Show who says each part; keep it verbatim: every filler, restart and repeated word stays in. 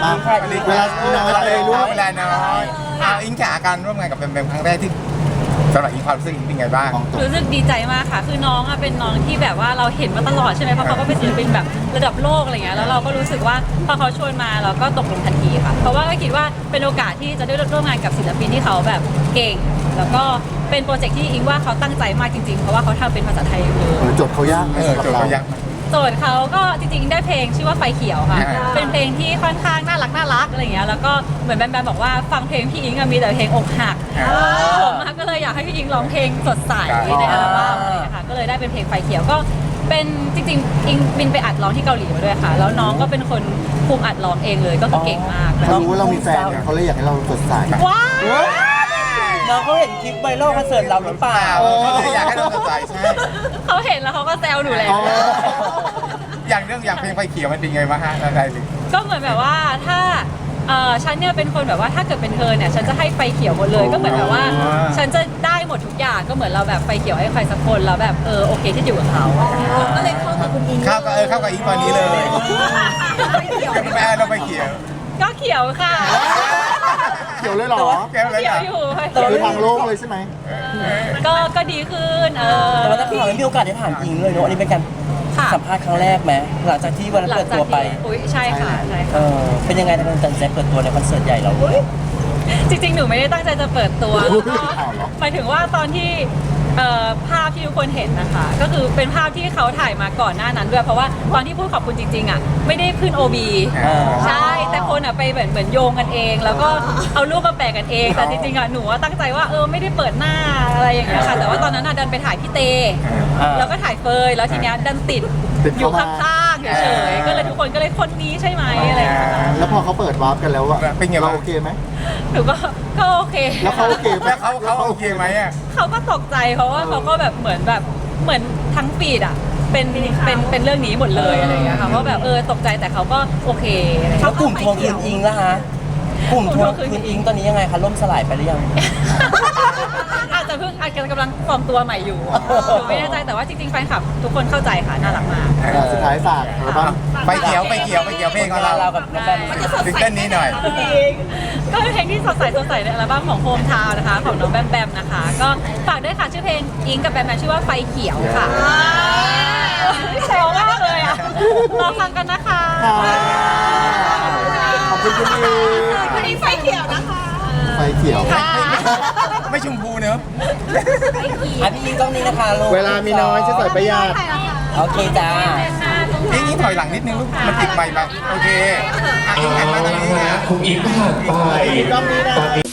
Speaker 1: ดีค่ะเวลาน้อยเลยรู้
Speaker 2: เวลาน้อยเอาอิงขาการร่วมงานกับแบมแบมครั้งแรกที่สำหรับอิงความรู้สึกอิงเป็นไงบ้าง
Speaker 3: รู้สึกดีใจมากค่ะคือน้องอะเป็นน้องที่แบบว่าเราเห็นมาตลอดใช่ไหมเพราะเขาก็เป็นศิลปินแบบระดับโลกอะไรเงี้ยแล้วเราก็รู้สึกว่าพอเขาชวนมาเราก็ตกลงทันทีค่ะเพราะว่าก็คิดว่าเป็นโอกาสที่จะได้ร่วมงานกับศิลปินที่เขาแบบเก่งแล้วก็เป็นโปรเจกต์ที่อิงว่าเขาตั้งใจมากจริงๆเพราะว่าเขาทำเป็นภาษาไทยเลย
Speaker 1: โจทย์เขายากไหมสำหรับเรา
Speaker 3: โจทย์เขาก็จริงๆได้เพลงชื่อว่าไฟเขียวค่ะเป็นเพลงที่ค่อนข้างน่ารักน่ารักอะไรเงี้ยแล้วก็เหมือนแบมแบมบอกว่าฟังเพลงพี่อิงมีแต่เพลงอกหักผมก็เลยอยากให้พี่อิงร้องเพลงสดใสในอัลบั้มอะไรค่ะก็เลยได้เป็นเพลงไฟเขียวก็เป็นจริงๆอิงบินไปอัดร้องที่เกาหลีมาด้วยค่ะแล้วน้องก็เป็นคนคุมอัดร้องเองเลยก็คือเก่งมาก
Speaker 1: เขารู้ว่าเรามีแฟนเขาเลยอยากให้เราสดใส
Speaker 3: ว้าว
Speaker 4: น้องเขาเห็นคลิปไวรัลคอนเสิร์ตเราหรือเปล่า
Speaker 2: เขาเลยอยากให้เราสดใสใช่
Speaker 3: เขาเห็นแล้วเขาก็แซวหนูแล้ว
Speaker 2: อย่างเรื่องอย่างเพลงไฟเขียวมันเป็นไงบ้างฮะอะไรหรือ
Speaker 3: ก็เหมือนแบบว่าถ้าเออฉันเนี่ยเป็นคนแบบว่าถ้าเกิดเป็นเธอเนี่ยฉันจะให้ไฟเขียวหมดเลยก็เหมือนแบบว่าฉันจะได้หมดทุกอย่างก็เหมือนเราแบบไฟเขียวให้ใครสักคนแล้วแบบเออโอเคที่อยู่กับเขาก็เลยเข้ากับคุณอิง
Speaker 2: เข้ากับเออเข้ากับอิงตอนนี้เลยแม่เราไฟเขียว
Speaker 3: ก็เขียวค่ะ
Speaker 1: เขียวเลยหรอ
Speaker 3: เขียวอยู่
Speaker 1: คือทางโลกเลยใช่ไหม
Speaker 3: ก็ก็ดีขึ้นเออ
Speaker 4: แต่ว่าถ้าข่าวมีโอกาสได้ถามอิงเลยเนาะอันนี้เป็นการสัมภาษณ์ครั้งแรกไหมหลังจากที่วันเปิดตัวไป
Speaker 3: อุ้ยใช่ค่ะใช่ค่ะ
Speaker 4: เป็นยังไงในการตัดสินใจเปิดตัวในคอนเสิร์ตใหญ่เรา
Speaker 3: จริงๆหนูไม่ได้ตั้งใจจะเปิดตัวหมายถึงว่าตอนที่ภาพที่ทุกคนเห็นนะคะก็คือเป็นภาพที่เขาถ่ายมาก่อนหน้านั้นด้วยเพราะว่าตอนที่พูดขอบคุณจริงๆอ่ะไม่ได้ขึ้น โอ บี ใช่แต่คนอ่ะไปเหมือนเหมือนโยงกันเองแล้วก็เอารูปมาแปะกันเองแต่จริงๆอ่ะหนูตั้งใจว่าเออไม่ได้เปิดหน้าอะไรอย่างเงี้ยค่ะแต่ว่าตอนนั้นอ่ะดันไปถ่ายพี่เตแล้วก็ถ่ายเฟยแล้วทีเนี้ยดันติดอยู่ข้างๆเฉยๆก็เลยทุกคนก็เลยคนนี้ใช่ไหมอะไรอย่างเงี้ย
Speaker 1: แล้วพอเขาเปิดวาร์ปกันแล้วอะ
Speaker 2: เป็นไงเรา
Speaker 1: โอเคไหม
Speaker 3: หนูก็ก็โอเค
Speaker 1: แล้วเขาโอเค
Speaker 2: แล้วเขาเขาโอเคไหมอ่ะ
Speaker 3: เขาก็ตกใจเพราะว่าเขาก็แบบเหมือนแบบเหมือนทั้งปีดอ่ะเป็นเป็นเป็นเรื่องนี้หมดเลยอะไรอย่างเงี้ยค่ะว่าแบบเออตกใจแต่เขาก็โอเค
Speaker 4: แล้วกลุ่มทวงคืนอิงล่ะฮะกลุ่มทวงคืนอิงตอนนี้ยังไงคะล่มสลายไปหรือยัง
Speaker 3: อาจจะเพิ่งอาจจะกำลังฟอร์มตัวใหม่อยู่หนูไม่แน่ใจแต่ว่าจริงๆแฟนคลับทุกคนเข้าใจค่ะน่ารักมาก
Speaker 1: สุดท้ายฝาก
Speaker 2: ไปเขียวไปเขียวไปเขียวเพลงของเราซิงเกิลนี้หน่อย
Speaker 3: ก็เป็นเพลงที่สดใสสดใสในอัลบั้มของโฮมทาวน์นะคะของน้องแบมแบมนะคะก็ฝากด้วยค่ะชื่อเพลงอิงกับแบมแบมชื่อว่าไฟเขียวค่ะแซวมากเลยอ่ะรอฟังกันนะคะ
Speaker 1: ขอบคุณคุณอิง
Speaker 3: วันนี้ไฟเขียวนะคะ
Speaker 1: ไฟเขียว
Speaker 2: ไม่ชมพูเนอะ
Speaker 4: อ่ะพี่อิงกล้องนี้นะคะ
Speaker 1: เวลามีน้อยจะใส่ประหยัด
Speaker 4: โอเคจ้า
Speaker 2: อิงอิงถอยหลังนิดนึงลูกมันติดใหม่ไปโอเคอ่ะอิงหันมาตรงนี้นะ
Speaker 5: คุณอิงผ่านไป
Speaker 1: กล้องนี้นะ